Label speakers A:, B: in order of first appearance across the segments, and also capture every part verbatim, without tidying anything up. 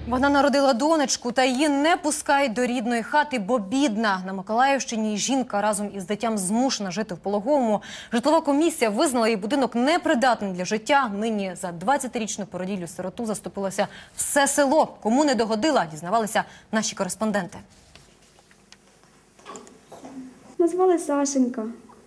A: Вона народила донечку, та її не пускають до рідної хати, бо бідна. На Миколаївщині жінка разом із дитям змушена жити в пологовому. Житлова комісія визнала її будинок непридатним для життя. Нині за двадцятирічну породіллю-сироту заступилося все село. Кому не догодила, дізнавалися наші кореспонденти.
B: Назвали Сашенька.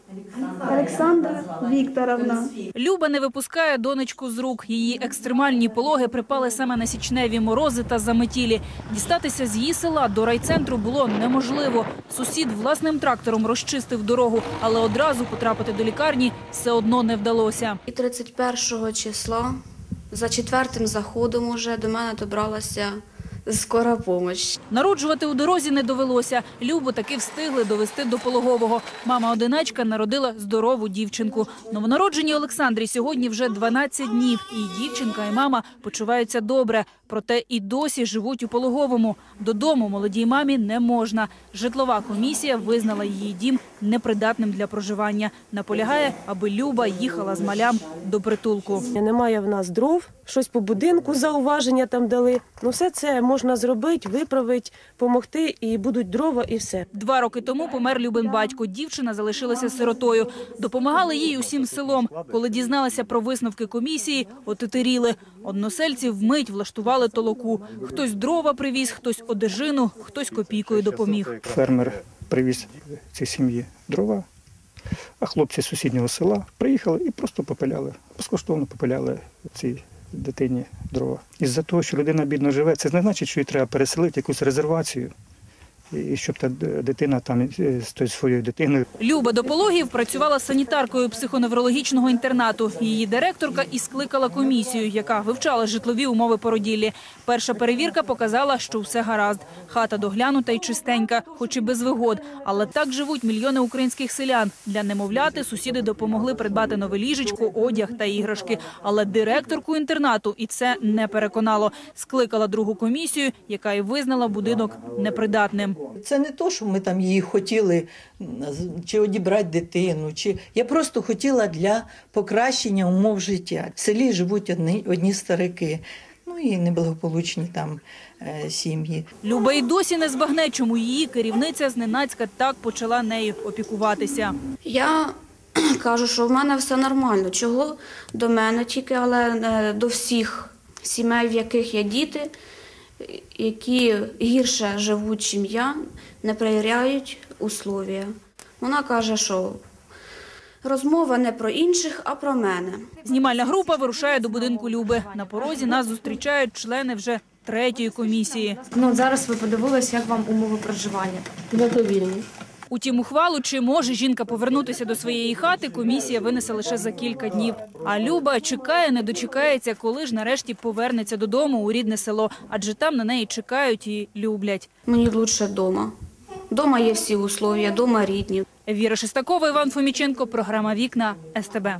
B: Олександра Вікторовна.
C: Люба не випускає донечку з рук. Її екстремальні пологи припали саме на січневі морози та заметілі. Дістатися з її села до райцентру було неможливо. Сусід власним трактором розчистив дорогу, але одразу потрапити до лікарні все одно не вдалося.
B: І тридцять першого числа, за четвертим заходом уже до мене добралася скора допомога.
C: Народжувати у дорозі не довелося. Любу таки встигли довести до пологового. Мама-одиначка народила здорову дівчинку. Новонародженій Олександрі сьогодні вже дванадцять днів. І дівчинка, і мама почуваються добре. Проте і досі живуть у пологовому. Додому молодій мамі не можна. Житлова комісія визнала її дім непридатним для проживання. Наполягає, аби Люба їхала з малям до притулку.
D: Немає в нас дров, щось по будинку зауваження там дали. Ну все це можна зробити, виправити, допомогти, і будуть дрова, і все.
C: Два роки тому помер Любин батько. Дівчина залишилася сиротою. Допомагали їй усім селом. Коли дізналися про висновки комісії, отетеріли. Односельці вмить влаштували толоку. Хтось дрова привіз, хтось одежину, хтось копійкою допоміг.
E: Фермер привіз цій сім'ї дрова, а хлопці з сусіднього села приїхали і просто попиляли, безкоштовно попиляли цій дитині дрова. Із-за того, що людина бідно живе, це не значить, що їй треба переселити якусь резервацію, і щоб та дитина там з своєю дитиною.
C: Люба до пологів працювала санітаркою психоневрологічного інтернату. Її директорка і скликала комісію, яка вивчала житлові умови породіллі. Перша перевірка показала, що все гаразд. Хата доглянута і чистенька, хоч і без вигод. Але так живуть мільйони українських селян. Для немовляти сусіди допомогли придбати нове ліжечко, одяг та іграшки. Але директорку інтернату і це не переконало. Скликала другу комісію, яка і визнала будинок непридатним.
F: Це не то, що ми там її хотіли чи одібрати дитину, чи я просто хотіла для покращення умов життя. В селі живуть одні, одні старики, ну і неблагополучні там е, сім'ї.
C: Люба й досі не збагне, чому її керівниця зненацька так почала нею опікуватися.
B: Я кажу, що в мене все нормально. Чого до мене тільки, але до всіх сімей, в яких є діти, які гірше живуть, ніж я, не перевіряють условия. Вона каже, що розмова не про інших, а про мене.
C: Знімальна група вирушає до будинку Люби. На порозі нас зустрічають члени вже третьої комісії.
G: Ну, зараз ви подивилися, як вам умови проживання.
D: Задовільні.
C: Утім, ухвалу, чи може жінка повернутися до своєї хати, комісія винесе лише за кілька днів. А Люба чекає, не дочекається, коли ж нарешті повернеться додому у рідне село. Адже там на неї чекають і люблять.
B: Мені краще вдома. Вдома є всі условия, вдома рідні.
C: Віра Шестакова, Іван Фоміченко, програма «Вікна», ес те бе.